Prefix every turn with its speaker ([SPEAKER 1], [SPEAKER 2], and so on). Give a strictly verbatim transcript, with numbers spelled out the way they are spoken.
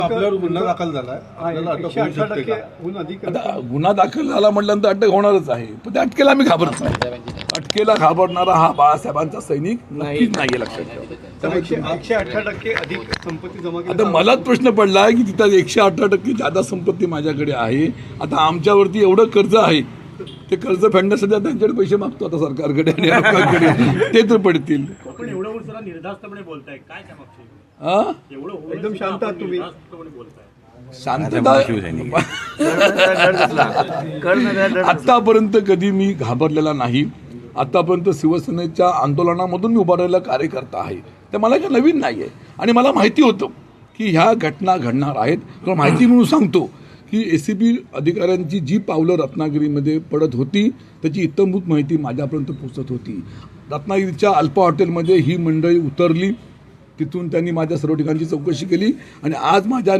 [SPEAKER 1] आपल्यावर गुन्हा दाखल झाला आपल्याला अटक होऊ शकते का?
[SPEAKER 2] आता गुन्हा दाखल झाला म्हटल्यानंतर अटक होणारच आहे, पण त्या अटकेला मी घाबरत नाही. अटकेला घाबरणारा हा बाळासाहेबांचा सैनिक नक्कीच नाहीये, लक्षात ठेवा.
[SPEAKER 1] एकशे अठरा टक्के अधिक संपत्ती जमा केली.
[SPEAKER 2] आता मलाच प्रश्न पडला की तिथं एकशे अठरा टक्के जादा संपत्ती माझ्याकडे आहे. आता आमच्यावरती एवढं कर्ज आहे, ते कर्ज फेडण्यासाठी त्यांच्याकडे पैसे मागतो आता सरकारकडे आणि लोकांकडे, ते तर पडतील.
[SPEAKER 3] आपण एवढं जरा निर्धास्तपणे बोलताय, काय त्यामागचे
[SPEAKER 2] हा
[SPEAKER 3] एवढं
[SPEAKER 1] एकदम शांत आहात तुम्ही.
[SPEAKER 2] शांतता. आतापर्यंत कधी मी घाबरलेला नाही. आतापर्यंत शिवसेनेच्या आंदोलनामधून मी उभारलेला कार्यकर्ता आहे, ते मला काही नवीन नाही आहे. आणि मला माहिती होतं की ह्या घटना घडणार आहेत. तर माहिती म्हणून सांगतो की ए सी बी अधिकाऱ्यांची जी पावलं रत्नागिरीमध्ये पडत होती त्याची इत्थंभूत माहिती माझ्यापर्यंत पोचत होती. रत्नागिरीच्या अल्पा हॉटेलमध्ये ही मंडळी उतरली, तिथून त्यांनी माझ्या सर्व ठिकाणची चौकशी केली आणि आज माझ्या